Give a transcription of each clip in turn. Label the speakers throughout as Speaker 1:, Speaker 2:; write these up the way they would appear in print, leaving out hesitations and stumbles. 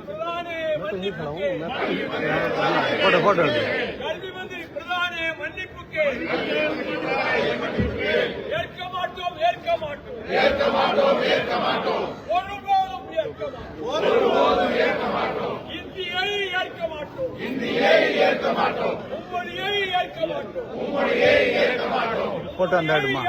Speaker 1: Photo
Speaker 2: கல்வி மந்திரி பிரதானே மன்னிப்புக்கு ஏற்க மாட்டோம் ஒருபோதும் ஏற்க மாட்டோம் இந்தியை ஏற்க மாட்டோம் உம்மொழியை ஏற்க மாட்டோம்
Speaker 1: போட்டோ அந்த ஆடுமா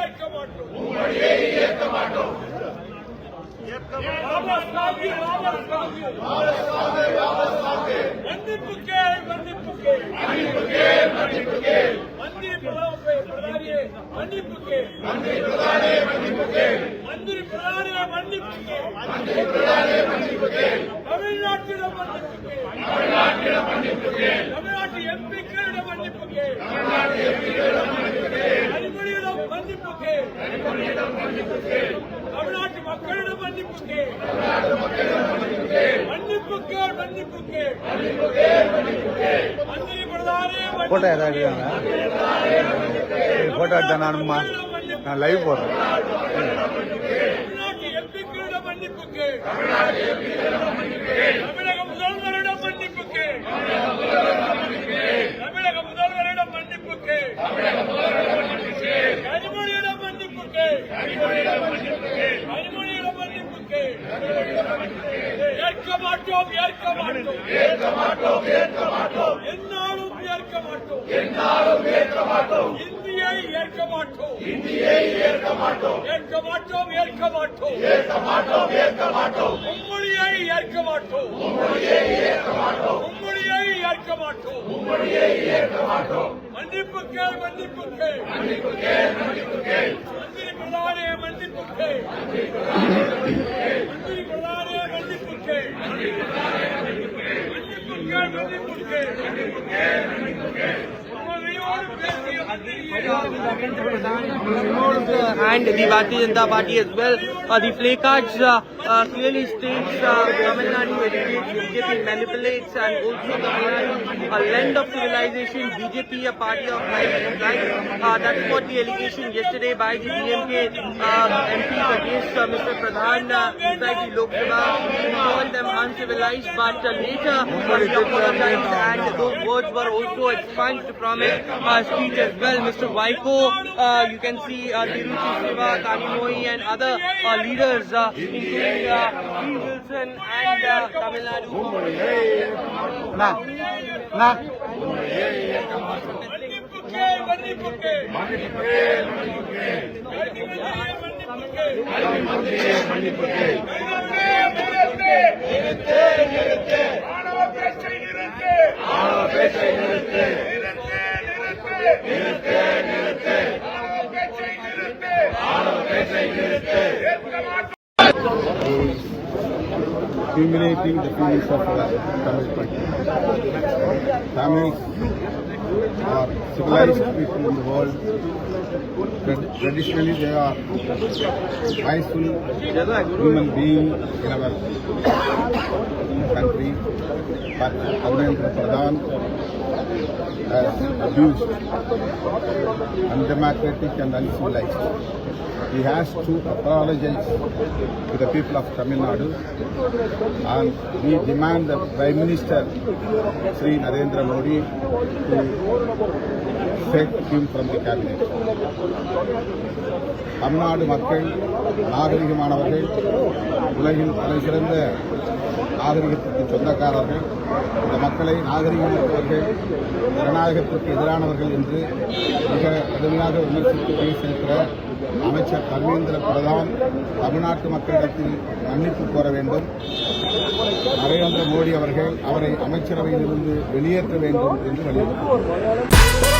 Speaker 2: தமிழ்நாட்டு எம்பிக்களிடம் மன்னிப்புக்கு அடிப்படையிடம் தமிழ்நாட்டு மக்களிடம் மன்னிப்புக்கு மந்திரி பிரதானே
Speaker 1: போட்டோ ஏதாவது போட்டோ எடுத்தா நான் லைவ் போடுறேன்.
Speaker 2: தமிழ்நாட்டு எம்பிக்களிடம் மன்னிப்புக்கு தமிழக முதல்வரிடம் மன்னிப்புக்கு கனிமொழியிடம் மன்னிப்புக்கு ஏற்க மாட்டோம் என்னாலும் ஏற்க மாட்டோம் இந்தியை ஏற்க மாட்டோம் உம்மொழியை ஏற்க மாட்டோம் மன்னிப்புக்கு மந்திரி பிரதானே மன்னிப்புக்கு
Speaker 3: and the Bharatiya Janata Party as well. The placards clearly states Tamil Nadu educates, BJP manipulates, and also Tamil Nadu a land of civilization, BJP a party of life and life. That's what the allegation yesterday by the DMK MPs against Mr. Pradhan inside the Lok Sabha. He called them uncivilized, but later he apologized, and those words were also expunged from his speech as well. Mr. Vaiko, you can see Tiruchi Siva, Kanimoi and other leaders including P. Wilson and Tamil Nadu.
Speaker 1: Humiliating the feelings of the Tamil people. Tamils are civilized people in the world. Traditionally, they are peaceful human beings in our country. But Dharmendra Pradhan has abused, undemocratic and uncivilized. He has to apologize to the people of Tamil Nadu, and we demand the Prime Minister Sri Narendra Modi to take him from the cabinet. Tamil Nadu மக்கள் நாகரிகமானவர்கள், உலகின் தலைசிறந்த நாகரிகத்திற்கு சொந்தக்காரர்கள். இந்த மக்களை நாகரிகமற்றவர்கள், ஜனநாயகத்திற்கு எதிரானவர்கள் என்று மிக கடுமையாக விமர்சித்து பேசியிருக்கிற அமைச்சர் தர்மேந்திர பிரதான் தமிழ்நாட்டு மக்களிடத்தில் மன்னிப்பு கோர வேண்டும். நரேந்திர மோடி அவர்கள் அவரை அமைச்சரவையிலிருந்து வெளியேற்ற வேண்டும் என்று வலியுறுத்தினார்.